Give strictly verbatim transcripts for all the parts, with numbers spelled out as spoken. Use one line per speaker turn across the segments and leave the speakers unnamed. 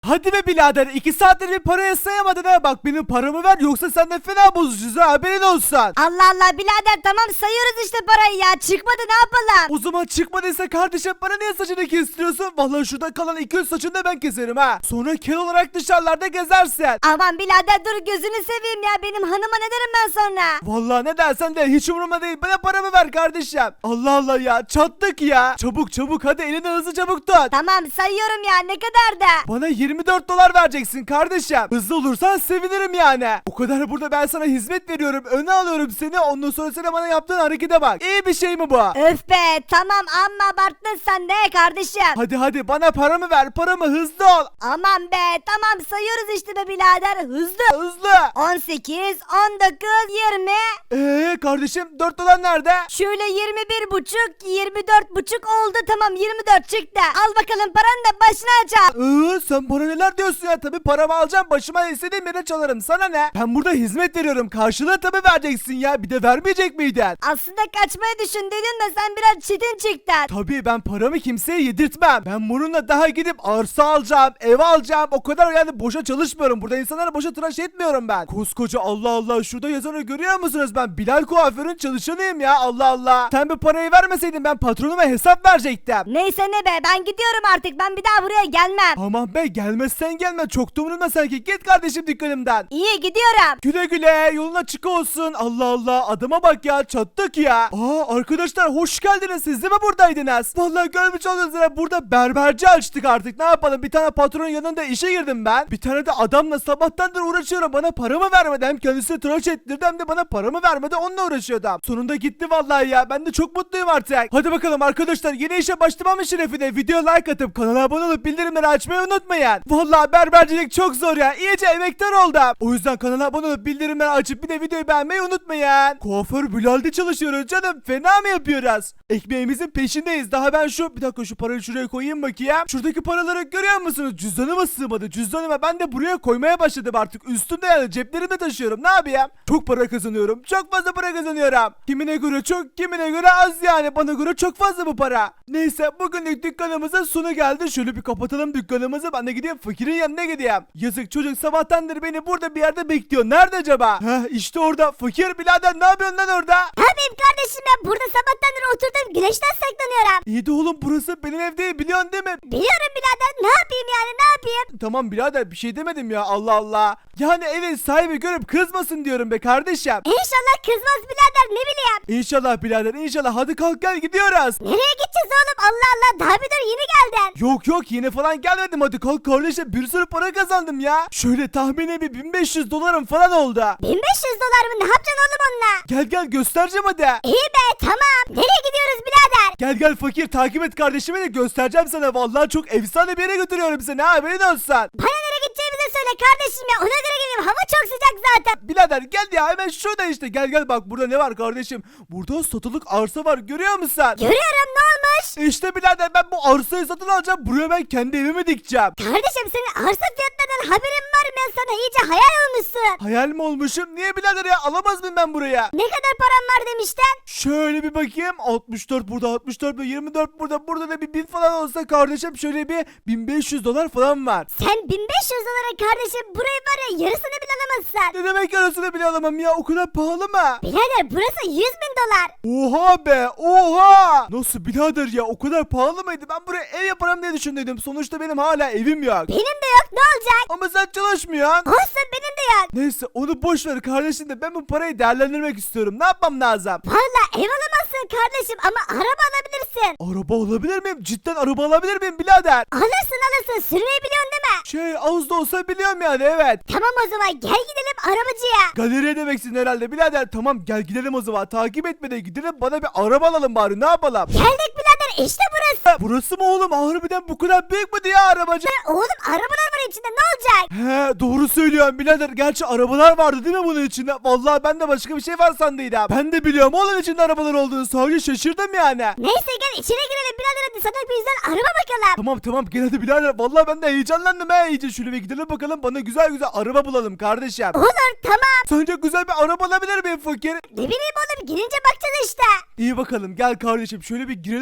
Hadi be birader, iki saattir bir paraya sayamadın ha. Bak benim paramı ver yoksa sen de fena bozacağız ha, haberin olsun.
Allah Allah birader, tamam sayıyoruz işte parayı ya. Çıkmadı, ne yapalım?
O zaman çıkmadıysa kardeşim bana niye saçını kestiriyorsun? Vallahi şurada kalan iki yüz saçını da ben keserim ha. Sonra kel olarak dışarılarda gezersin.
Aman birader dur, gözünü seveyim ya. Benim hanıma ne derim ben sonra?
Vallahi ne dersen de hiç umurumda değil. Bana paramı ver kardeşim. Allah Allah ya, çattık ya. Çabuk çabuk hadi, elini hızlı çabuk tut.
Tamam sayıyorum ya, ne kadar da?
Bana yirmi dört dolar vereceksin kardeşim. Hızlı olursan sevinirim yani. O kadar burada ben sana hizmet veriyorum. Öne alıyorum seni. Ondan sonra sen bana yaptığın harekete bak. İyi bir şey mi bu?
Öf be, tamam amma abarttın sen de kardeşim.
Hadi hadi bana paramı ver. Paramı, hızlı ol.
Aman be, tamam sayıyoruz işte be birader, hızlı.
Hızlı.
on sekiz, on dokuz, yirmi.
Eee kardeşim dört dolar nerede?
Şöyle yirmi bir buçuk, yirmi dört buçuk oldu, tamam yirmi dört çıktı. Al bakalım paranı da başına aç al.
Iıı sen bana neler diyorsun ya? Tabii paramı alacağım, başıma istediğim yere çalarım. Sana ne? Ben burada hizmet veriyorum. Karşılığı tabii vereceksin ya. Bir de vermeyecek miydin?
Aslında kaçmayı düşündüydün de sen biraz çetin çıktın.
Tabii ben paramı kimseye yedirtmem. Ben bununla daha gidip arsa alacağım, ev alacağım. O kadar yani boşa çalışmıyorum. Burada insanlara boşa tıraş etmiyorum ben. Koskoca Allah Allah, şurada yazanı görüyor musunuz? Ben Bilal kuaförün çalışanıyım ya, Allah Allah. Sen bu parayı vermeseydin ben patronuma hesap verecektim.
Neyse ne be, ben gidiyorum artık, ben bir daha buraya gelmem.
Aman be, gelmezsen gelme, çok da umurumda sanki. Git kardeşim dükkanımdan.
İyi gidiyorum.
Güle güle, yolun açık olsun. Allah Allah, adama bak ya, çattık ya. Aa arkadaşlar, hoş geldiniz. Siz de mi buradaydınız? Vallahi görmüş oldunuz ya, burada berberci açtık artık. Ne yapalım, bir tane patronun yanında işe girdim ben. Bir tane de adamla sabahtandır uğraşıyorum. Bana paramı vermedi. Hem kendisini tıraş ettirdi hem de bana paramı vermedi. Onunla uğraşıyordum. Sonunda gitti vallahi ya. Ben de çok mutluyum artık. Hadi bakalım arkadaşlar, yeni işe başlamamın şerefine video like atıp kanala abone olup bildirimleri açmayı unutmayın. Vallahi berbercilik çok zor ya. İyice emektar oldum. O yüzden kanala abone olup bildirimleri açıp bir de videoyu beğenmeyi unutmayın. Kuaför Bilal'de çalışıyoruz canım. Fena mı yapıyoruz? Ekmeğimizin peşindeyiz. Daha ben şu bir dakika şu parayı şuraya koyayım bakayım. Şuradaki paraları görüyor musunuz? Cüzdanıma sığmadı. Cüzdanıma ben de buraya koymaya başladım artık. Üstümde yani, ceplerimde taşıyorum. Ne yapayım? Çok para kazanıyorum. Çok fazla para kazanıyorum. Kimine göre çok, kimine göre az yani. Bana göre çok fazla bu para. Neyse, bugünlük dükkanımızın sonu geldi. Şöyle bir kapatalım dükkanımızı. Ben de gideyim fakirin yanına gideyim. Yazık çocuk sabahtandır beni burada bir yerde bekliyor. Nerede acaba? Heh işte orada. Fakir birader, ne yapıyorsun lan orada?
Ne yapayım kardeşim ya, burada sabahtandır oturdum güneşten saklanıyorum.
İyi de oğlum, burası benim ev değil, biliyorsun değil mi?
Biliyorum birader, ne yapayım yani, ne yapayım?
Tamam birader, bir şey demedim ya, Allah Allah. Yani evin sahibi görüp kızmasın diyorum be kardeşim.
İnşallah kızmaz birader, ne bileyim.
İnşallah birader, inşallah. Hadi kalk gel, gidiyoruz.
Nereye gideceğiz oğlum, Allah Allah, daha bir dur, yeni geldin.
Yok yok, yine falan gelmedim. Hadi kalk kardeşim, bir sürü para kazandım ya. Şöyle tahmini bir bin beş yüz dolarım falan oldu.
bin beş yüz dolar mı, ne yapacaksın oğlum onunla?
Gel gel göstereceğim hadi.
İyi be, tamam, nereye gidiyoruz birader?
Gel gel fakir, takip et kardeşimi de göstereceğim sana. Vallahi çok efsane bir yere götürüyorum seni, ha, haberin olsun.
Bana nereye gideceğimizi söyle kardeşim ya, ona göre geleyim, hava çok sıcak zaten.
Birader gel ya, hemen şurada işte, gel gel, bak burada ne var kardeşim. Burada satılık arsa var, görüyor musun?
Görüyorum, ne olmuş?
İşte birader, ben bu arsayı satın alacağım. Buraya ben kendi evimi dikeceğim.
Kardeşim senin arsa fiyatlarından haberin var mı? Ben sana iyice hayal olmuşsun.
Hayal mi olmuşum? Niye birader ya? Alamaz mıyım ben buraya?
Ne kadar param var demişten?
Şöyle bir bakayım. altmış dört burada, altmış dört burada, yirmi dört burada. Burada da bir bin falan olsa kardeşim, şöyle bir bin beş yüz dolar falan var.
Sen bin beş yüz dolara kardeşim burayı var ya, yarısını bile alamazsın.
Ne demek arasını bile alamam ya? O kadar pahalı mı?
Birader burası yüz bin dolar.
Oha be, oha! Nasıl birader ya? O kadar pahalı mıydı? Ben buraya ev yaparım diye düşündüm. Sonuçta benim hala evim yok.
Benim de yok, ne olacak?
Ama sen çalışmıyorsun.
Olsun, benim de yok.
Neyse, onu boş ver kardeşim de, ben bu parayı değerlendirmek istiyorum. Ne yapmam lazım?
Valla ev alamazsın kardeşim ama araba alabilirsin.
Araba alabilir miyim? Cidden araba alabilir miyim birader?
Alırsın alırsın, sürmeyi biliyorsun değil mi?
Şey, az da olsa biliyorum yani, evet.
Tamam o zaman gel gidelim arabacıya.
Galeriye demeksin herhalde birader. Tamam gel gidelim o zaman. Takip etme de gidelim, bana bir araba alalım bari, ne yapalım?
Geldik birader, işte burası.
Ha, burası mı oğlum? Harbiden bu kadar büyük mü diye arabacı?
Oğlum arabalar var içinde, ne olacak?
He, doğru söylüyorsun birader. Gerçi arabalar vardı değil mi bunun içinde? Vallahi ben de başka bir şey var sandıydım. Ben de biliyorum oğlum içinde arabalar olduğunu. Sadece şaşırdım yani.
Neyse gel içine girelim birader, hadi sana bir güzel araba bakalım.
Tamam tamam, gel hadi birader. Vallahi ben de heyecanlandım he iyice. Şöyle bir gidelim bakalım, bana güzel güzel araba bulalım kardeşim.
Olur, tamam.
Sence güzel bir araba alabilir miyim fakir?
Ne bileyim oğlum, girince bakacağız işte.
İyi bakalım, gel kardeşim, şöyle bir girelim bakalım.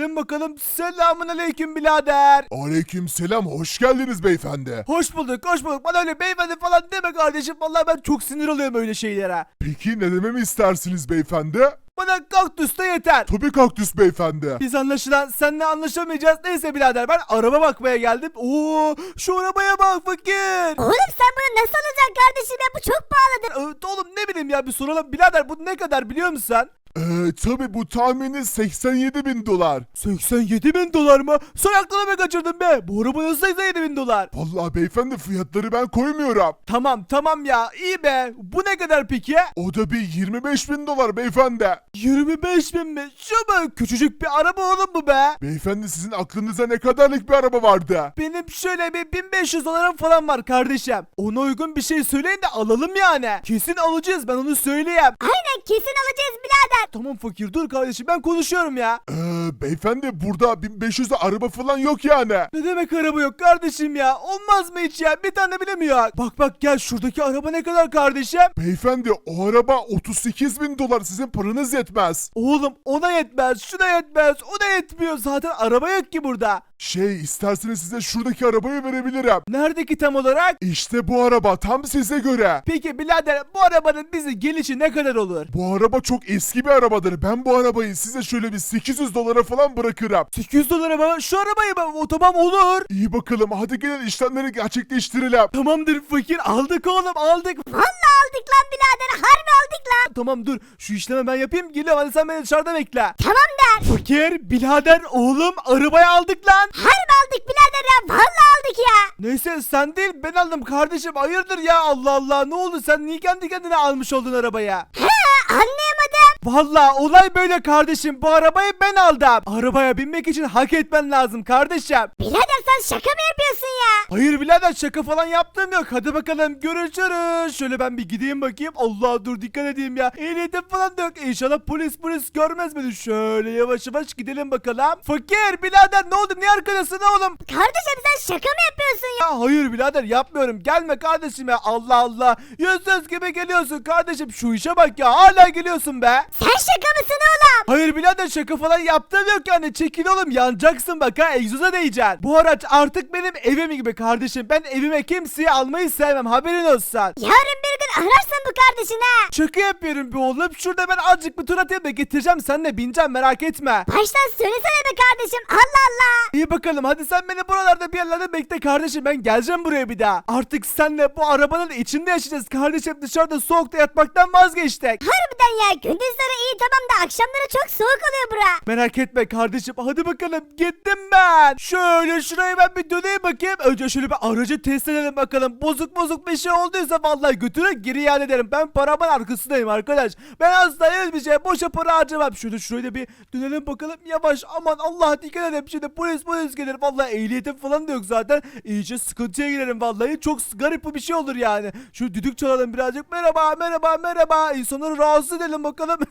aleyküm. Selamun aleyküm birader.
Aleykümselam, hoş geldiniz beyefendi.
Hoş bulduk hoş bulduk. Bana öyle beyefendi falan deme kardeşim. Vallahi ben çok sinir oluyorum öyle şeylere.
Peki ne dememi istersiniz beyefendi?
Bana kaktüs de yeter.
Tabii kaktüs beyefendi.
Biz anlaşılan seninle anlaşamayacağız. Neyse birader ben araba bakmaya geldim. Oo, şu arabaya bak fakir.
Oğlum sen bunu nasıl alacaksın kardeşim ya? Bu çok pahalıdır.
Ee, oğlum ne bileyim ya bir soralım. Birader bu ne kadar biliyor musun sen?
Ee, tabii bu tahmini seksen yedi bin dolar.
seksen yedi bin dolar mı? Sen aklını mı kaçırdın be? Bu araba nasıl seksen yedi bin dolar?
Vallahi beyefendi fiyatları ben koymuyorum.
Tamam tamam ya iyi be. Bu ne kadar peki?
O da bir yirmi beş bin dolar beyefendi.
yirmi beş bin mi? Şu mu? Küçücük bir araba oğlum bu be.
Beyefendi sizin aklınıza ne kadarlık bir araba vardı?
Benim şöyle bir bin beş yüz dolarım falan var kardeşim. Ona uygun bir şey söyleyin de alalım yani. Kesin alacağız ben onu söyleyeyim.
Aynen kesin alacağız birader.
Tamam fakir dur kardeşim ben konuşuyorum ya.
Ee, beyefendi burada bin beş yüzde araba falan yok yani.
Ne demek araba yok kardeşim ya? Olmaz mı hiç ya? Bir tane bile mi yok? Bak bak gel şuradaki araba ne kadar kardeşim?
Beyefendi o araba otuz sekiz bin dolar, sizin paranız yetmez.
Oğlum ona yetmez, şuna yetmez, o da yetmiyor. Zaten araba yok ki burada.
Şey isterseniz size şuradaki arabayı verebilirim.
Nerede ki tam olarak?
İşte bu araba tam size göre.
Peki birader bu arabanın bize gelişi ne kadar olur?
Bu araba çok eski bir arabadır. Ben bu arabayı size şöyle bir sekiz yüz dolara falan bırakırım.
sekiz yüz dolara mı? Şu arabayı mı? O tamam olur.
İyi bakalım, hadi gelin işlemleri gerçekleştirelim.
Tamamdır fakir aldık oğlum aldık.
Vallahi aldık lan birader. Harbi aldık lan.
Tamam dur şu işlemi ben yapayım geliyorum hadi sen beni dışarıda bekle.
Tamam der.
Fakir birader oğlum arabayı aldık lan.
Harbi aldık birader ya. Vallahi aldık ya.
Neyse sen değil ben aldım kardeşim hayırdır ya Allah Allah ne oldu sen niye kendi kendine almış oldun arabaya?
He anlayamadım.
Vallahi olay böyle kardeşim bu arabayı ben aldım. Arabaya binmek için hak etmen lazım kardeşim.
Birader sen şaka mı yapıyorsun ya?
Hayır birader şaka falan yaptığım yok. Hadi bakalım görüşürüz. Şöyle ben bir gideyim bakayım. Allah dur dikkat edeyim ya. Ehliyetim falan da yok. İnşallah polis polis görmez beni. Şöyle yavaş yavaş gidelim bakalım. Fakir birader ne oldu? Niye arkadasın oğlum?
Kardeşim sen şaka mı yapıyorsun ya?
Ya hayır birader yapmıyorum. Gelme kardeşim ya. Allah Allah. Yüzsüz gibi geliyorsun kardeşim. Şu işe bak ya. Hala geliyorsun be.
Sen şaka mısın oğlum?
Hayır birader şaka falan yaptığım yok yani. Çekil oğlum yanacaksın bak ha. Egzoza değeceksin. Bu araç artık benim evim gibi kardeşim. Ben evime kimseyi almayı sevmem. Haberin olsun.
Yarın bir gün ararsın bu kardeşini ha.
Şaka yapıyorum be oğlum. Şurada ben azıcık bir tur atayım da getireceğim. Sen de bineceğim merak etme.
Baştan söylesene be kardeşim. Allah Allah.
İyi bakalım hadi sen beni buralarda bir yerlerde bekle kardeşim. Ben geleceğim buraya bir daha. Artık senle bu arabanın içinde yaşayacağız kardeşim. Dışarıda soğukta yatmaktan vazgeçtik.
Harbiden ya. Gündüzleri iyi tamam da akşamları çok soğuk oluyor bura.
Merak etme kardeşim. Hadi bakalım gittim ben. Şöyle şuraya ben bir döneyim bakayım. Önce şöyle bir aracı test edelim bakalım. Bozuk bozuk bir şey olduysa vallahi götürür geri iade ederim. Ben paramın arkasındayım arkadaş. Ben asla hiçbir şey boşa para harcamam. Şöyle şuraya da bir dönelim bakalım. Yavaş aman Allah dikkat edin. Şimdi polis polis gelir. Vallahi ehliyetim falan da yok zaten. İyice sıkıntıya girerim vallahi. Çok garip bir şey olur yani. Şu düdük çalalım birazcık. Merhaba merhaba merhaba. İnsanları rahatsız edelim bakalım.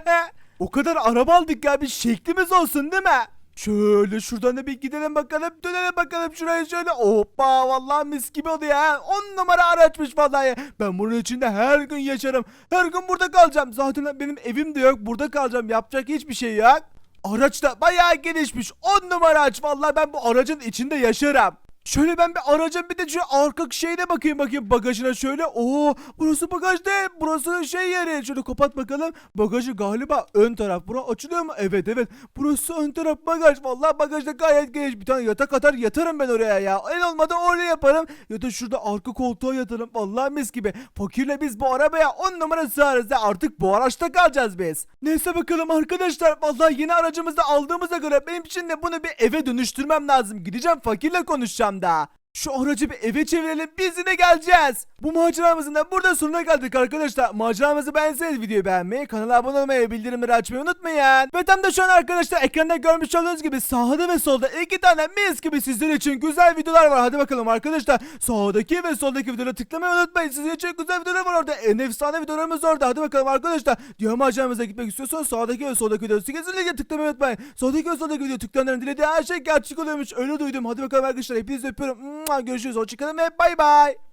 O kadar araba aldık ya bir şeklimiz olsun değil mi? Şöyle şuradan da bir gidelim bakalım. Dönelim bakalım şuraya şöyle. Hoppa vallahi mis gibi oluyor ha. on numara araçmış vallahi. Ben bunun içinde her gün yaşarım. Her gün burada kalacağım. Zaten benim evim de yok. Burada kalacağım. Yapacak hiçbir şey yok. Araç da bayağı gelişmiş. on numara araç. Vallahi ben bu aracın içinde yaşarım. Şöyle ben bir aracın bir de şu arka şeyine bakayım bakayım bagajına şöyle. Oo burası bagaj değil. Burası şey yeri. Şöyle kapat bakalım. Bagajı galiba ön taraf. Bura açılıyor mu? Evet evet. Burası ön taraf bagaj. Vallahi bagajda gayet geniş. Bir tane yatak atar yatarım ben oraya ya. En olmadı oraya yaparım. Ya da şurada arka koltuğa yatarım. Vallahi mis gibi. Fakirle biz bu arabaya on numara sığarız ya. Artık bu araçta kalacağız biz. Neyse bakalım arkadaşlar. Vallahi yeni aracımızı da aldığımıza göre benim için de bunu bir eve dönüştürmem lazım. Gideceğim fakirle konuşacağım da. Şu aracı bir eve çevirelim biz yine geleceğiz. Bu maceramızın da burada sonuna geldik arkadaşlar. Maceramızı beğenseniz videoyu beğenmeyi, kanala abone olmayı, bildirimleri açmayı unutmayın. Ve tam da şu an arkadaşlar ekranda görmüş olduğunuz gibi sağda ve solda iki tane mis gibi sizler için güzel videolar var. Hadi bakalım arkadaşlar sağdaki ve soldaki videoları tıklamayı unutmayın. Sizler için güzel videolar var orada. En efsane videolarımız orada. Hadi bakalım arkadaşlar. Diğer maceramıza gitmek istiyorsanız sağdaki ve soldaki videoları kesinlikle tıklamayı unutmayın. Sağdaki ve soldaki videoyu tıklayanların dilediği her şey gerçek oluyormuş. Öyle duydum. Hadi bakalım arkadaşlar hepinizi öpüyorum. Görüşürüz. Hoşçakalın ve bay bay.